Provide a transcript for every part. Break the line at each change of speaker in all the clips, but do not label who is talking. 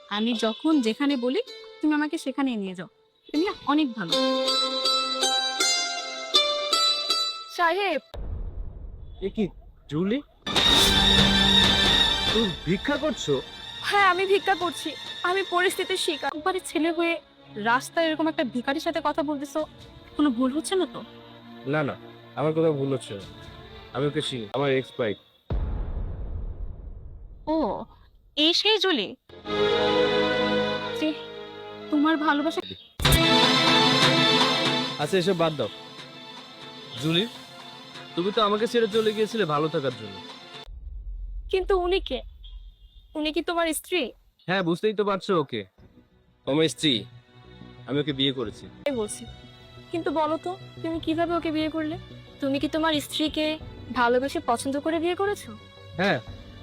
আমি যখন যেখানে বলি তুমি আমাকে সেখানেই নিয়ে যাও। তুমি না অনেক ভালো। সাহেব,
এ কি জুলি, তুমি ভিক্ষা করছো?
হ্যাঁ আমি ভিক্ষা করছি। আমি পরিস্থিতির শিকার। একবারে ছেলে হয়ে রাস্তায় এরকম একটা ভিখারির সাথে কথা বলতেছো, কোনো ভুল হচ্ছে না তো?
না না, আমার কথা ভুল হচ্ছে না। আমি ওকে চিনি, আমার এক্স বাইক।
ও, এই সেই জুলি যে তোমার ভালোবাসা।
আচ্ছা এসব বাদ দাও। জুলি, তুমি তো আমাকে ছেড়ে চলে গিয়েছিলে ভালো থাকার জন্য।
কিন্তু উনি কে? উনি কি তোমার স্ত্রী?
হ্যাঁ, বুঝতেই তো পারছো, ওকে আমার স্ত্রী। আমি ওকে বিয়ে করেছি।
তাই বলছি। কিন্তু বলো তো, তুমি কিভাবে ওকে বিয়ে করলে? তুমি কি তোমার স্ত্রীকে ভালোবেসে পছন্দ করে বিয়ে করেছো?
হ্যাঁ।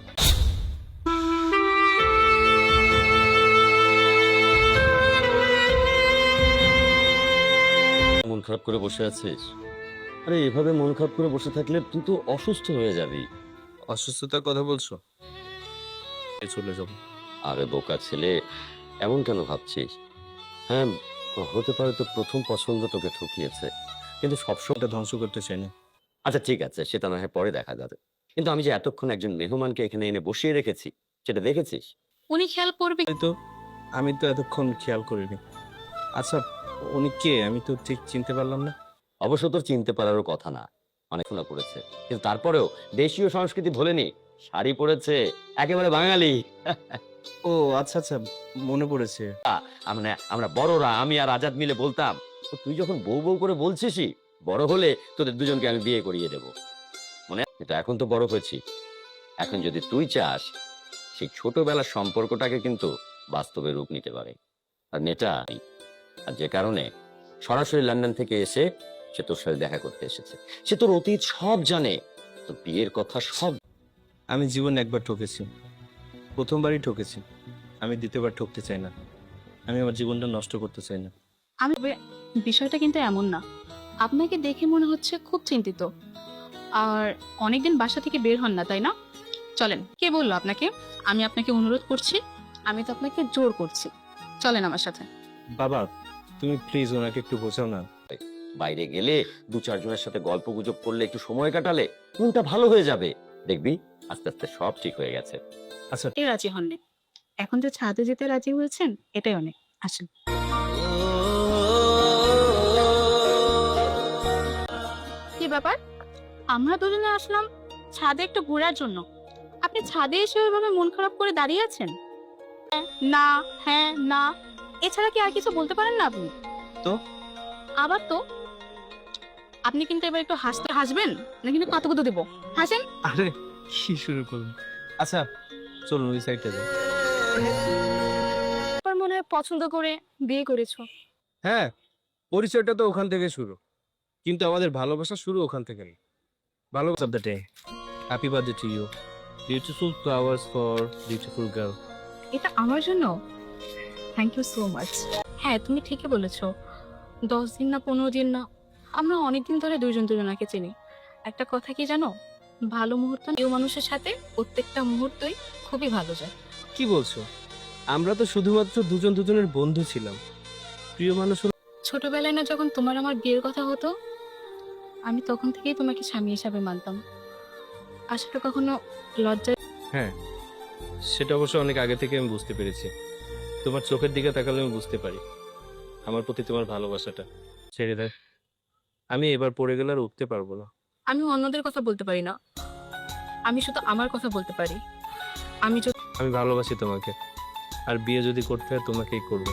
মন খারাপ করে বসে আছিস? আরে এভাবে মন খারাপ করে বসে থাকলে তুই তো অসুস্থ হয়ে যাবি।
অসুস্থতার কথা বলছো? চলে যাবো।
আরে বোকা ছেলে, এমন কেন ভাবছিস? হ্যাঁ, হতে পারে তো প্রথম পছন্দ তোকে ঠকিয়েছে, কিন্তু সবসময়।
এটা ধ্বংস করতে চাই না।
আচ্ছা ঠিক আছে, সেটা না হয় পরে দেখা যাবে, কিন্তু আমি যে এতক্ষণ একজন মেহমানকে এখানে এনে বসিয়ে রেখেছি, সেটা দেখেছিস?
উনি খেয়াল করবে।
তো আমি তো এতক্ষণ খেয়াল করিনি। আচ্ছা, উনি কে? আমি তো ঠিক চিনতে পারলাম না।
অবশ্য তোর চিনতে পারারও কথা না, অনেক শোনা পড়েছে, কিন্তু তারপরেও দেশীয় সংস্কৃতি ভোলেনি, শাড়ি পরেছে, একেবারে বাঙালি।
ও আচ্ছা আচ্ছা, মনে পড়েছে।
আমরা আমরা বড়রা, আমি আর আজাদ মিলে বলতাম, "ও, তুই যখন বউ বউ করে বলছিসই, বড় হলে তোদের দুজনকে আমি বিয়ে করিয়ে দেব।" মনে আছে? কিন্তু এখন তো বড় হয়েছি, এখন যদি তুই চাস, সেই ছোটবেলার সম্পর্কটাকে কিন্তু বাস্তবে রূপ নিতে পারে। আর নেটা নেই। আর যে কারণে সরাসরি লন্ডন থেকে এসে সে তোর সাথে দেখা করতে এসেছে। সে তোর অতীত সব জানে, তোর বিয়ের কথা সব।
আমি জীবনে একবার ঠকেছি, প্রথমবারই ঠকেছি। আমি দ্বিতীয়বার ঠকতে চাই না। আমি আমার জীবনটা নষ্ট করতে চাই না।
আমি বিষয়টা কিন্তু এমন না। আপনাকে দেখে মনে হচ্ছে খুব চিন্তিত। আর অনেকদিন বাসা থেকে বের হন না, তাই না? চলেন। কে বললো আপনাকে আমি আপনাকে অনুরোধ করছি? আমি তো আপনাকে জোর করছি। চলেন আমার সাথে।
বাবা, তুমি প্লিজ ওনাকে একটু বোঝাও না।
বাইরে গেলে দু চারজনের সাথে গল্প গুজব করলে, একটু সময় কাটালে মনটা ভালো হয়ে যাবে। দেখবি আস্তে আস্তে সব ঠিক হয়ে গেছে।
আচ্ছা,
এ রাজি হননি, এখন যে ছাদে যেতে রাজি হয়েছেন এটাই অনেক। আসেন। কি ব্যাপার, আমরা দুজনে আসলাম ছাদে একটু ঘোরার জন্য, আপনি ছাদে এসে ওইভাবে মন খারাপ করে দাঁড়িয়ে আছেন? না, হ্যাঁ, না, এছাড়া কি আর কিছু বলতে পারেন না আপনি?
তো
আবার তো? আপনি কিন্তু এবার একটু হাসবেন না, কিন্তু কতগুলো দেবো। হাসেন।
আরে কি শুরু করুন। আচ্ছা চলুন ওই সাইডটা যাই।
আপনার মনে হয় পছন্দ করে বিয়ে করেছো।
হ্যাঁ, পরিচয়টা তো ওখান থেকে শুরু, কিন্তু আমাদের ভালোবাসা শুরু ওখান থেকে না। ভালোবাসা of the day. Happy birthday to you, beautiful flowers for beautiful girl.
এটা আমার জন্য? Thank you so much. হ্যাঁ তুমি ঠিকই বলেছো, 10 দিন না 15 দিন না, আমরা অনেকদিন ধরে দুইজন দুজনাকে চিনি। একটা কথা কি জানো, ভালো মুহূর্ত প্রিয় মানুষের সাথে প্রত্যেকটা মুহূর্তই খুবই ভালো যায়।
কি বলছো? আমরা তো শুধুমাত্র দুজন দুজনের বন্ধু ছিলাম, প্রিয় মানুষ হলো।
ছোটবেলায় না যখন তোমার আমার বিয়ের কথা হতো, আমি তখন থেকেই তোমাকে স্বামী হিসাবে মানতাম। আসলে কখনো লজ্জা।
হ্যাঁ, সেটা অবশ্য অনেক আগে থেকে আমি বুঝতে পেরেছি। তোমার চোখের দিকে তাকালে আমি বুঝতে পারি আমার প্রতি তোমার ভালোবাসাটা। ছেড়ে দেয়, আমি এবার পড়ে গেলে আর উঠতে পারবো না।
আমি অন্যদের কথা বলতে পারি না, আমি শুধু আমার কথা বলতে পারি। আমি
আমি ভালোবাসি তোমাকে, আর বিয়ে যদি করতে হয় তোমাকেই করবো।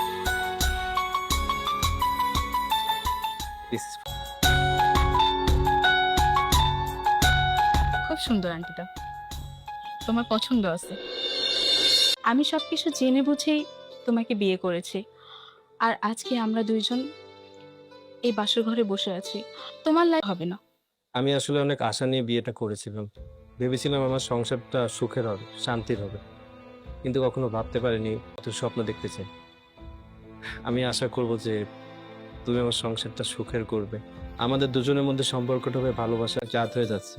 খুব সুন্দর আন্টিটা, তোমার পছন্দ আছে। আমি সবকিছু জেনে বুঝেই তোমাকে বিয়ে করেছি, আর আজকে আমরা দুইজন এই বাসর ঘরে বসে আছি। তোমার লাইফ হবে না।
আমি আসলে অনেক আশা নিয়ে বিয়েটা করেছিলাম, ভেবেছিলাম আমার সংসারটা সুখের হবে, শান্তির হবে, কিন্তু কখনো ভাবতে পারিনি কত স্বপ্ন দেখতে চাই। আমি আশা করব যে তুমি আমার সংসারটা সুখের করবে, আমাদের দুজনের মধ্যে সম্পর্কটা হবে ভালোবাসার জাত হয়ে যাচ্ছে।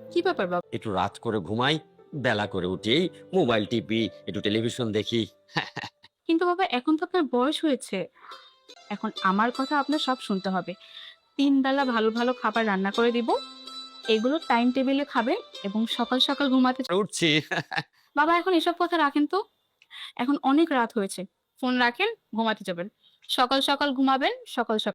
কি ব্যাপার বাবা?
একটু রাত করে ঘুমাই, বেলা করে উঠেই মোবাইল টিপি, একটু টেলিভিশন দেখি।
কিন্তু বাবা এখন তো আপনার বয়স হয়েছে। এখন আমার কথা আপনার সব শুনতে হবে। ৩ বেলা ভালো ভালো খাবার রান্না করে দিব। এগুলো টাইম টেবিলে খাবেন এবং সকাল সকাল ঘুমাতে
উঠছি।
বাবা এখন এসব কথা রাখেন তো। এখন অনেক রাত হয়েছে। ফোন রাখেন, ঘুমাতে যাবেন। সকাল সকাল ঘুমাবেন, সকাল সকাল